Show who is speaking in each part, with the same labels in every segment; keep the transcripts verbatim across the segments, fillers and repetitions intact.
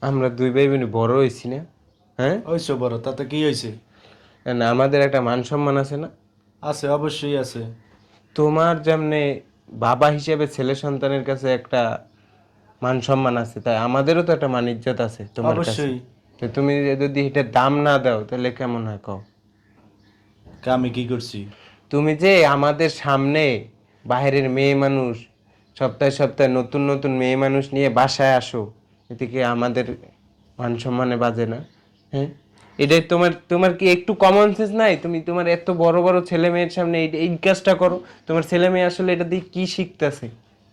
Speaker 1: আমরা দুই ভাই বোন বড় হইছি না? হ্যাঁ,
Speaker 2: হইছে বড়, তাতে কি হয়েছে?
Speaker 1: না আমাদের একটা মান সম্মান আছে না?
Speaker 2: আছে, অবশ্যই আছে।
Speaker 1: তোমার যেমনে বাবা হিসেবে ছেলে সন্তানের কাছে একটা মান সম্মান আছে, তাই আমাদেরও তো একটা মান ইজ্জত আছে তোমার কাছে।
Speaker 2: অবশ্যই।
Speaker 1: তো তুমি যদি এটা দাম না দাও তাহলে কেমন হয় কও?
Speaker 2: কে আমি কি করছি?
Speaker 1: তুমি যে আমাদের সামনে বাইরের মেয়ে মানুষ, সপ্তাহে সপ্তাহে নতুন নতুন মেয়ে মানুষ নিয়ে বাসায় আসো, এতে কি আমাদের মান সম্মানে বাজে না? হ্যাঁ, এটাই তোমার তোমার কি একটু কমন সেন্স নাই? তুমি তোমার এত বড় বড় ছেলে মেয়ের সামনে এই এই কাজটা করো, তোমার ছেলে মেয়ে আসলে এটা দিয়ে কি শিখতেছে?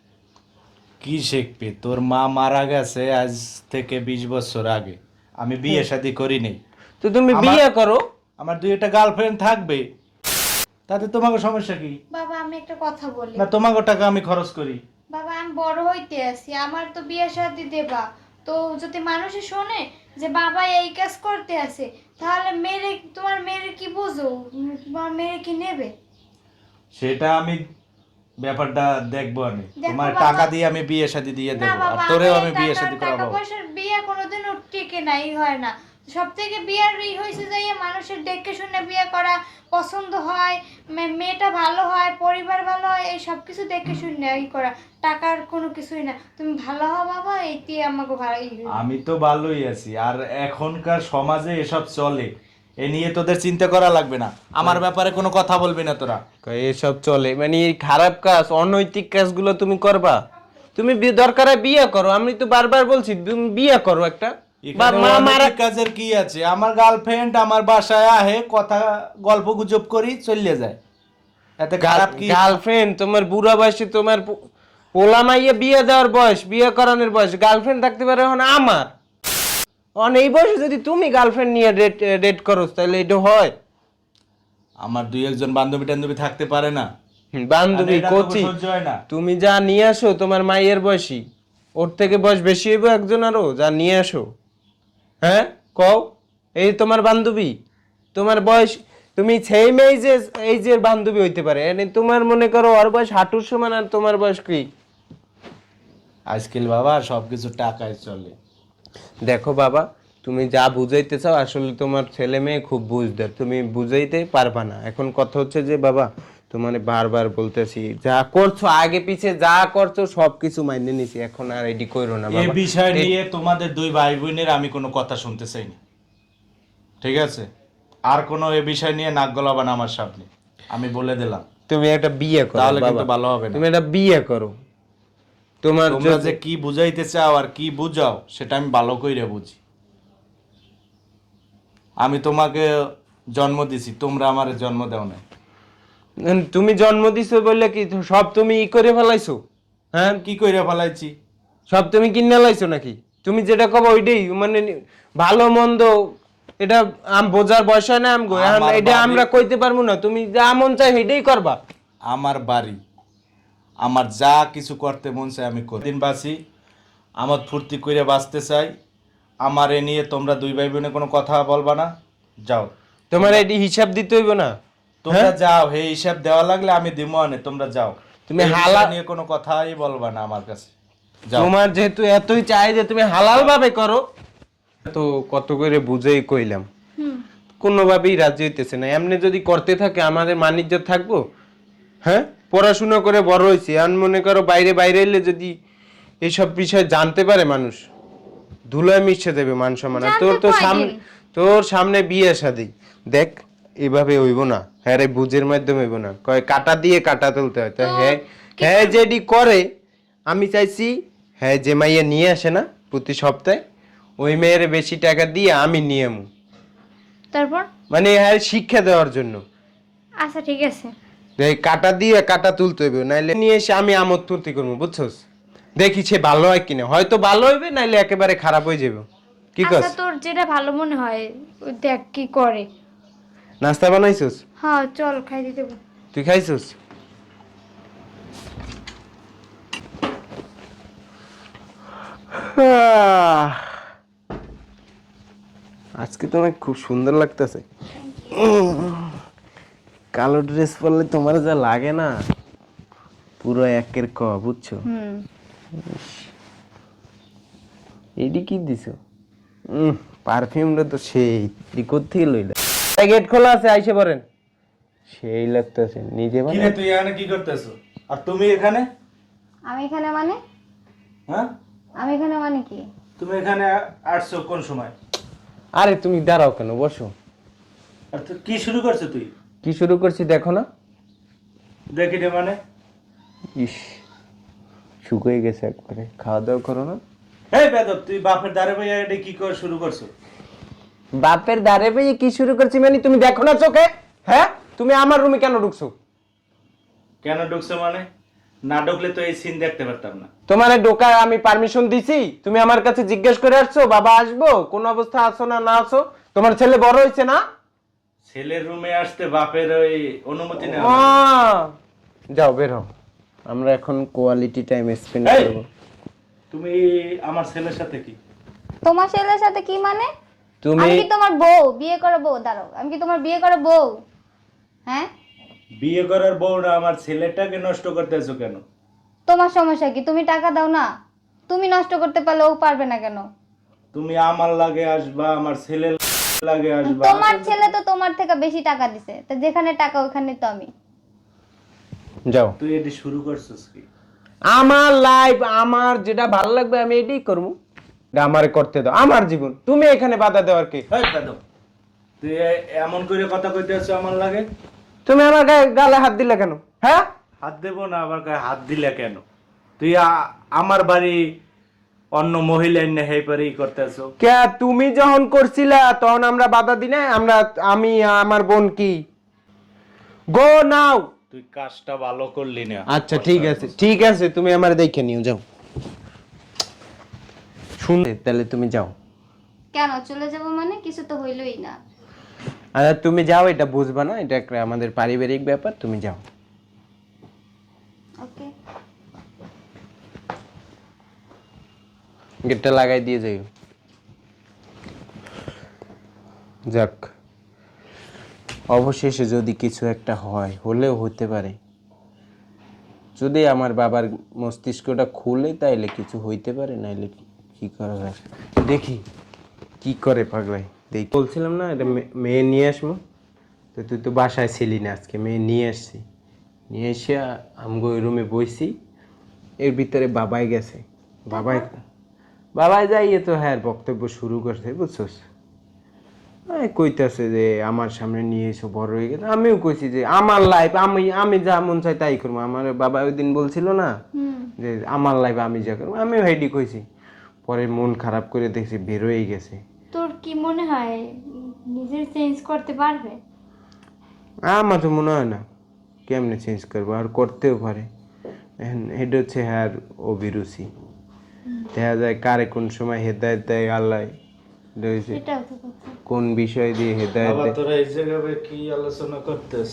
Speaker 2: কি শিখবি? তোর মা মারা গেছে আজ থেকে বিশ বছর আগে। আমি বিয়ে শাদী করি নাই।
Speaker 1: তো তুমি
Speaker 2: আমার
Speaker 1: বিয়ে করো।
Speaker 2: আমার দুই একটা গার্লফ্রেন্ড থাকবে, তাতে তোমাকে সমস্যা কি?
Speaker 3: বাবা আমি একটা কথা বলি।
Speaker 2: না, তোমাকে টাকা আমি খরচ করি।
Speaker 3: বাবা আমি বড় হইতে আছি, আমার তো বিয়ে শাদী দেবা। তো যদি মানুষে শোনে যে বাবা এই কাজ করতে আছে, তাহলে মেরে তোমার মেয়ের কি বুঝো? উম, তোমার মেয়ে কি নেবে?
Speaker 2: সেটা আমি ব্যাপারটা দেখবো। আমি
Speaker 3: দেখো
Speaker 2: তোমার
Speaker 3: বাবা,
Speaker 2: টাকা দিয়ে আমি বিয়ে শাদী দিয়ে
Speaker 3: না
Speaker 2: দেবো, আর
Speaker 3: বাবা,
Speaker 2: তোরেও
Speaker 3: আমার
Speaker 2: আমি
Speaker 3: এই
Speaker 2: বিয়ে
Speaker 3: টাকা
Speaker 2: শাদী
Speaker 3: টাকা
Speaker 2: করাবো।
Speaker 3: পয়সার বিয়ে কোনোদিনও টিকে নাই, হয় না। সব থেকে বিয়ার ই হয়েছে যে এই মানুষের দেখে শুনে বিয়ে করা, পছন্দ হয়, মে- মেয়েটা ভালো হয়, পরিবার ভালো হয়, এই সব কিছু দেখে শুনে ই করা। টাকার কোনো কিছুই না, তুমি ভালো হও বাবা, এইটি আমাকে ভালো ই হইলো।
Speaker 2: আমি তো ভালোই আছি, আর এখনকার সমাজে এসব চলে, এ নিয়ে তোদের চিন্তা করা লাগবে না। আমার ব্যাপারে কোনো কথা বলবি না তোরা।
Speaker 1: কয় এসব চলে মানে এই খারাপ কাজ, অনৈতিক কাজগুলো তুমি করবা? তুমি বি- দরকার হয় বিয়ে করো, আমি তো বারবার বলছি তুমি বিয়ে করো একটা। বা
Speaker 2: এখানে
Speaker 1: মা মারা
Speaker 2: অনৈতিক কাজের কি আছে? আমার গার্লফ্রেন্ড আমার বাসায় আহে, কথা গল্প গুজব করি, চলে যায়। এতে খারাপ কি?
Speaker 1: গার্লফ্রেন্ড তোমার বুড়া বয়সে তোমার পো- পোলা মাইয়া বিয়ে দেওয়ার বয়স, বিয়ে করানোর বয়স, গার্লফ্রেন্ড থাকতে পারে এখন আমার। অন এই বয়সে যদি তুমি গার্লফ্রেন্ড নিয়ে ডেট ডেট করো তাহলে এটা হয়?
Speaker 2: আমার দুই একজন বান্ধবী টান্ধবী থাকতে পারে না?
Speaker 1: হুম,
Speaker 2: আর
Speaker 1: বান্ধবী
Speaker 2: এটা তো
Speaker 1: কচি,
Speaker 2: সহ্য হয় না।
Speaker 1: তুমি যা নিয়ে আসো তোমার মাইয়ের বয়সী, ওর থেকে বয়স বেশি হইব একজন আরো, যা নিয়ে আসো। হ্যাঁ, কও। এই তোমার বান্ধবী, তোমার বয়স, তুমি সেম এই যে এই যে বান্ধবী হইতে পারে, মানে তোমার মনে করো ওর বয়স হাঁটুর সমান আর তোমার বয়স কি?
Speaker 2: আজকাল বাবা সবকিছু টাকায় চলে।
Speaker 1: দেখো বাবা, তুমি যা বুঝাইতে চাও আসলে তোমার ছেলে মেয়ে খুব বুঝদার, তুমি বুঝাইতে পারবা না। এখন কথা হচ্ছে যে বাবা, তোমার বারবার বলতেছি যা করছো আগে পিছে যা করছো সবকিছু মাইনে নিছি, এখন আর এডি কইরো না
Speaker 2: এই
Speaker 1: বাবা।
Speaker 2: বিষয়
Speaker 1: দে-
Speaker 2: নিয়ে তোমাদের দুই ভাই বোনের আমি কোনো কথা শুনতে চাই না, ঠিক আছে? আর কোনো এ বিষয় নিয়ে নাক গলাবা না আমার সামনে, আমি বলে দিলাম।
Speaker 1: তুমি একটা বিয়ে করো
Speaker 2: তাহলে
Speaker 1: বাবা,
Speaker 2: কিন্তু ভালো হবে না।
Speaker 1: তুমি একটা বিয়ে করো। তোমার
Speaker 2: তোমরা
Speaker 1: যদি-
Speaker 2: যে কি বুঝাইতে চাও আর কি বুঝাও সেটা আমি ভালো কইরা বুঝি। আমি তোমাকে জন্ম দিছি, তোমরা আমার জন্ম দাও না।
Speaker 1: তুমি জন্ম দিছো বললে কি তো সব তুমি ই করে ফেলাইছো? হ্যাঁ,
Speaker 2: কি কইরা ফেলাইছি?
Speaker 1: সব তুমি কিনে লাইছো নাকি? তুমি যেটা কব ওইটাই মানে নি- ভালো মন্দ এটা আম বোঝার বয়স হয় না আমগো, এখন
Speaker 2: আমার
Speaker 1: এটা
Speaker 2: বাড়ি-
Speaker 1: আমরা কইতে পারবো না, তুমি যা মন চাই সেটাই করবা।
Speaker 2: আমার বাড়ি, আমার যা কিছু করতে মন চায় আমি করি। দিন বাঁচি, আমার ফুর্তি করে বাঁচতে চাই। আমার এ নিয়ে তোমরা দুই ভাই বোনে কোনো কথা বলবা না। যাও
Speaker 1: তোমার এটি হিসাব দিতে হইব না।
Speaker 2: তোমরা যাও, হে হিসাব দেওয়া লাগলে আমি দিমো আনে, তোমরা যাও।
Speaker 1: তুমি
Speaker 2: এই বিষয়
Speaker 1: হালা-
Speaker 2: নিয়ে কোনো কথাই বলবা না আমার কাছে। যাও।
Speaker 1: তোমার যেহেতু এতই চাই যে তুমি হালাল ভাবে করো, তো কত করে বুঝেই কইলাম,
Speaker 3: হুম।
Speaker 1: কোনোভাবেই রাজি হইতেছে না। এমনি যদি করতে থাকে আমাদের মানিজ্য থাকবো? হ্যাঁ, পড়াশোনা করে বড় হয়েছি, এখন মনে করো বাইরে বাইরে এলে যদি এইসব বিষয় জানতে পারে মানুষ, ধুলায় মিশে দেবে মান সম্মান। আর তোর
Speaker 3: জানতে
Speaker 1: তো
Speaker 3: কয়দিন?
Speaker 1: সামনে, তোর সামনে বিয়ে শাদী, দেখ এভাবে হইব না। হ্যাঁ রে, বুঝের মাধ্যমে হইব না, কয় কাটা দিয়ে কাটা তুলতে হয়। তো হ্যাঁ, হ্যাঁ যেটি করে আমি চাইছি, হ্যাঁ যে মাইয়া নিয়ে আসে না প্রতি সপ্তাহে, ওই মেয়ের বেশি টাকা দিয়ে আমি নিয়ে আমু,
Speaker 3: তারপর?
Speaker 1: মানে হ্যাঁ শিক্ষা দেওয়ার জন্য।
Speaker 3: আচ্ছা ঠিক আছে।
Speaker 1: এই কাটা দিয়ে কাটা তুলতে হইবে, নাইলে নিয়ে এসে আমি আমোদ ফুর্তি করবো, বুঝছস? দেখি সে ভালো হয় কিনা, হয়তো ভালো হইবে, নাইলে একেবারে খারাপ হয়ে যাবে। কি
Speaker 3: আচ্ছা
Speaker 1: কস?
Speaker 3: তোর যেটা ভালো মনে হয় ওই দেখ কি করে।
Speaker 1: নাস্তা বানাইছস?
Speaker 3: হ্যাঁ চল খাই দিতে বল।
Speaker 1: তুই খাইছস? আহ, আজকে তোমায় খুব সুন্দর লাগতেছে। কালো ড্রেস পরলে তোমার যা লাগে না, পুরো একের ক, বুঝছো?
Speaker 3: হুম।
Speaker 1: এইডি কি দিছো? উম পারফিউমটা তো সেই তুই কোত্থেকে লইলা গেট খোলা আছে আইসে পড়েন সেই লাগতেছে নিজে
Speaker 2: কি রে তুই এখানে কি করতেছো আর তুমি এখানে
Speaker 4: আমি এখানে মানে
Speaker 2: হ্যাঁ
Speaker 4: আমি এখানে মানে কি
Speaker 2: তুমি এখানে আসছো কোন সময়
Speaker 1: আরে তুমি দাঁড়াও কেন বসো
Speaker 2: আর তুই কি শুরু করছো তুই
Speaker 1: কি শুরু করছি দেখো না
Speaker 2: দেখি রে মানে
Speaker 1: ইস শুকিয়ে গেছে একবারে খাওয়া দাওয়া করো না
Speaker 2: এই বেদব তুই বাপের দাঁড়ে ভাইয়া এটা কি করে শুরু করছো
Speaker 1: বাপের দাঁড়ে পেয়ে কি শুরু করছি মানে তুমি দেখো না চোখে হ্যাঁ তুমি আমার রুমে কেন ঢুকছো
Speaker 2: কেন ঢুকছো মানে না ঢুকলে তো এই সিন দেখতে পারতাম না
Speaker 1: তোমার ঢোকার আমি পারমিশন দিছি তুমি আমার কাছে জিজ্ঞেস করে আসছো বাবা আসবো কোন অবস্থা আছো না না আছো তোমার ছেলে বড় হয়েছে না
Speaker 2: ছেলের রুমে আসতে বাপের ওই অনুমতি নেওয়া
Speaker 1: আহ,
Speaker 2: লাগে।
Speaker 1: যাও বের হও আমরা এখন কোয়ালিটি টাইম স্পেন্ড
Speaker 2: এই!
Speaker 1: করব
Speaker 2: তুমি আমার ছেলের সাথে কি
Speaker 4: তোমার ছেলের সাথে কি মানে
Speaker 1: তুমি
Speaker 4: আমি কি তোমার বউ বিয়ে করা বউ দাঁড়াও আমি কি তোমার বিয়ে করা বউ হ্যাঁ
Speaker 2: বিয়ে করার বউ না আমার ছেলেটাকে নষ্ট করতেছো কেন
Speaker 4: তোমার সমস্যা কি তুমি টাকা দাও না তুমি নষ্ট করতে পারলে ও পারবে না কেন
Speaker 2: তুমি আমার লাগে আসবা আমার ছেলে লাগে আসবা
Speaker 4: তোমার ছেলে তো তোমার থেকে বেশি টাকা দিছে তো যেখানে টাকা ওখানে তো আমি
Speaker 1: যাও
Speaker 2: তুই এটি শুরু করছিস কি
Speaker 1: আমার লাইফ আমার যেটা ভালো লাগবে আমি এটাই করবো এটা আমারে করতে দাও আমার জীবন তুমি এখানে বাধা দেওয়ার কি
Speaker 2: এই বেদব তুই এ- এমন করে কথা কইতে আছো আমার লাগে
Speaker 1: তুমি আমার গায়ে গালে হাত দিলে কেন হ্যাঁ
Speaker 2: হাত দেবো না আবার গায়ে হাত দিলে কেন তুই আ- আমার বাড়ি অন্য মহিলা এনে হেই পারে ই করতেছো
Speaker 1: কে তুমি যখন করছিলা তখন আমরা বাধা দিই না আমরা আমি আমার বোন কি গো নাও
Speaker 2: তুই কাজটা ভালো করলি না
Speaker 1: আচ্ছা ঠিক আছে ঠিক আছে তুমি আমার দেখে নিও যাও শুনলে তাহলে তুমি যাও
Speaker 4: কেন চলে যাব মানে কিছু তো হইলই না
Speaker 1: আচ্ছা তুমি যাও এটা বুঝবা না এটা একটা আমাদের পারিবারিক ব্যাপার তুমি যাও
Speaker 4: ওকে
Speaker 1: গেটটা লাগাই দিয়ে যাইও যাক অবশেষে যদি কিছু একটা হয় হলেও হতে পারে যদি আমার বাবার মস্তিষ্কটা খুলে তাইলে কিছু হইতে পারে নাইলে কি করা যায় দেখি কি করে পাগলাই দেখি বলছিলাম না এটা মে- মেয়ে নিয়ে আসবো তো তুই তো বাসায় ছিলি না আজকে মেয়ে নিয়ে আসছি নিয়ে এসে আমগো ওই রুমে বইছি এর ভিতরে বাবাই গেছে বাবাই বাবাই যাইয়ে তো হ্যাঁ বক্তব্য শুরু করছে বুঝছস এই কইতাছে যে আমার সামনে নিয়ে এসে বড় হয়ে গেছে আমিও কইছি যে আমার লাইফ আমি আমি যা মন চাই তাই করবো আমার বাবা ওই দিন বলছিল না যে আমার লাইফ আমি যা করবো আমিও হেডি কইছি পরে মন খারাপ করে দেখছি বের হয়ে গেছে
Speaker 3: তোর কি মনে হয় নিজের চেঞ্জ করতে পারবে
Speaker 1: আমার তো মনে হয় না কেমনে চেঞ্জ করবো আর করতেও পারে এখন এটা হচ্ছে হ্যাঁ অভিরুচি দেখা যায় কারে কোন সময় হেদায়ত দেয় আল্লাহ এটা হচ্ছে
Speaker 3: সেটাও তো কথা
Speaker 1: কোন বিষয় দিয়ে হেদায়ত
Speaker 2: বাবা
Speaker 1: দেয়
Speaker 2: তোরা এই জায়গায় কি আলোচনা করতেছ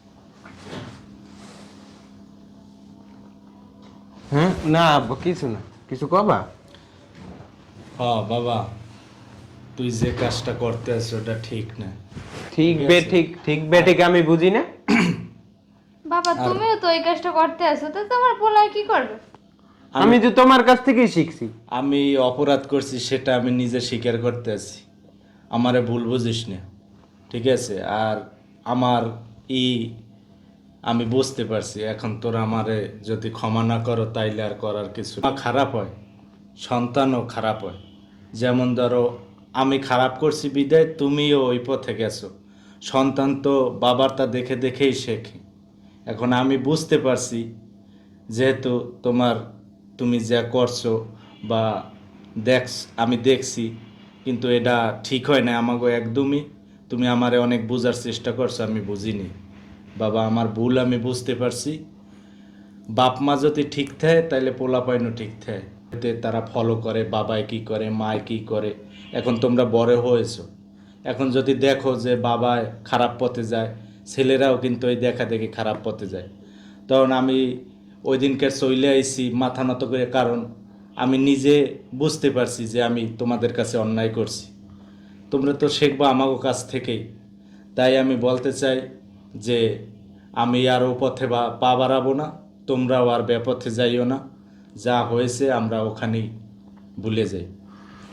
Speaker 1: হ্যাঁ না আব্বা কিছু না কিছু কবা
Speaker 2: হ্যাঁ বাবা তুই যে কাজটা করতে আছিস ওটা ঠিক না
Speaker 1: ঠিক বে ঠিক ঠিক বে ঠিক আমি বুঝি না
Speaker 3: বাবা তুমিও তো এই কাজটা করতে আসো তো তোমার পোলায় কি করবে
Speaker 1: আমি তো তোমার কাছ থেকেই শিখছি
Speaker 2: আমি অপরাধ করছি সেটা আমি নিজে স্বীকার করতে আছি আমারে ভুল বুঝিস না ঠিক আছে আর আমার ই আমি বুঝতে পারছি এখন তোরা আমারে যদি ক্ষমা না করো তাইলে আর করার কিছু না। খারাপ হয় সন্তানও খারাপ হয় যেমন ধরো আমি খারাপ করছি বিদায় তুমিও ওই পথে গেছো সন্তান তো বাবারটা দেখে দেখেই শেখে এখন আমি বুঝতে পারছি যেহেতু তোমার তুমি যা করছো বা দেখ আমি দেখছি কিন্তু এটা ঠিক হয় না আমাকে একদমই তুমি আমারে অনেক বোঝার চেষ্টা করছো আমি বুঝিনি বাবা আমার ভুল আমি বুঝতে পারছি বাপ মা যদি ঠিক থাকে তাহলে পোলাপাইনও ঠিক থাকে এতে তারা ফলো করে বাবাই কি করে মায় কি করে এখন তোমরা বড় হয়েছো এখন যদি দেখো যে বাবায় খারাপ পথে যায় ছেলেরাও কিন্তু ওই দেখা দেখি খারাপ পথে যায় তখন আমি ওই দিনকে চলে আইছি মাথা নত করে কারণ আমি নিজে বুঝতে পারছি যে আমি তোমাদের কাছে অন্যায় করছি তোমরা তো শিখবা আমাকে কাছ থেকেই তাই আমি বলতে চাই যে আমি আর ও পথে বা পা বাড়াবো না তোমরাও আর বেপথে যাইও না যা হয়েছে আমরা ওখানেই ভুলে যাই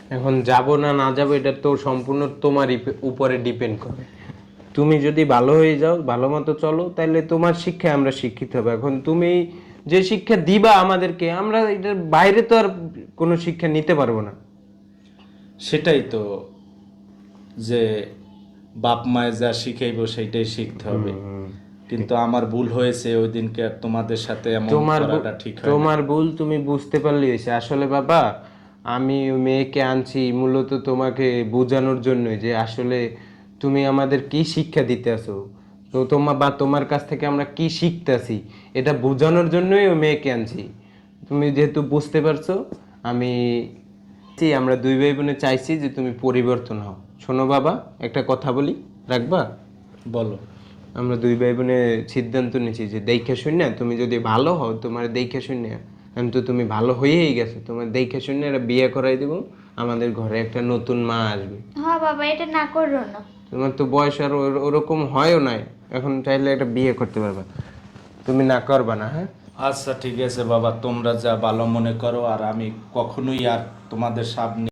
Speaker 1: এখন যাব না না যাব এটা তো সম্পূর্ণ তোমার উপরে ডিপেন্ড করে। তুমি যদি ভালো হয়ে যাও, ভালো মতো চলো, তাহলে তোমার শিক্ষায় আমরা শিক্ষিত হবে। এখন তুমি যে শিক্ষা দিবা আমাদেরকে, আমরা এটার বাইরে তো আর কোনো শিক্ষা নিতে পারবো না।
Speaker 2: সেটাই তো, যে বাপ মায়ে যা শিখাইবো সেইটাই শিখতে হবে। কিন্তু আমার ভুল হয়েছে ওই দিনকে, আর তোমাদের সাথে এমন
Speaker 1: তোমার ভুল-
Speaker 2: করাটা ঠিক হয় না।
Speaker 1: তোমার ভুল তুমি বুঝতে পারলেই হয়েছে। আসলে বাবা, আমি ওই মেয়েকে আনছি মূলত তোমাকে বোঝানোর জন্যই, যে আসলে তুমি আমাদের কি শিক্ষা দিতে আসো, তো তোমার বা তোমার কাছ থেকে আমরা কি শিখতেছি, এটা বোঝানোর জন্যই ওই মেয়েকে আনছি। তুমি যেহেতু বুঝতে পারছো, আমি চাই, আমরা দুই ভাই বোনে চাইছি যে তুমি পরিবর্তন হও। শোনো বাবা, একটা কথা বলি, রাখবা?
Speaker 2: বলো।
Speaker 1: আমরা দুই ভাই বোনে সিদ্ধান্ত নিয়েছি যে দেখে শুনে তুমি যদি ভালো হও, তোমার দেখে শুনে, আমি তো তুমি ভালো হয়েই গেছো, তোমার দেখে শুনে একটা বিয়ে করাই দেবো, আমাদের ঘরে একটা নতুন মা আসবে।
Speaker 3: হ্যাঁ বাবা, এটা না করো না।
Speaker 1: তোমার তো বয়স আর ওর- ওরকম হয়ও নাই, এখন চাইলে একটা বিয়ে করতে পারবা। তুমি না করবা না? হ্যাঁ,
Speaker 2: আচ্ছা ঠিক আছে বাবা, তোমরা যা ভালো মনে করো, আর আমি কখনোই আর তোমাদের সামনে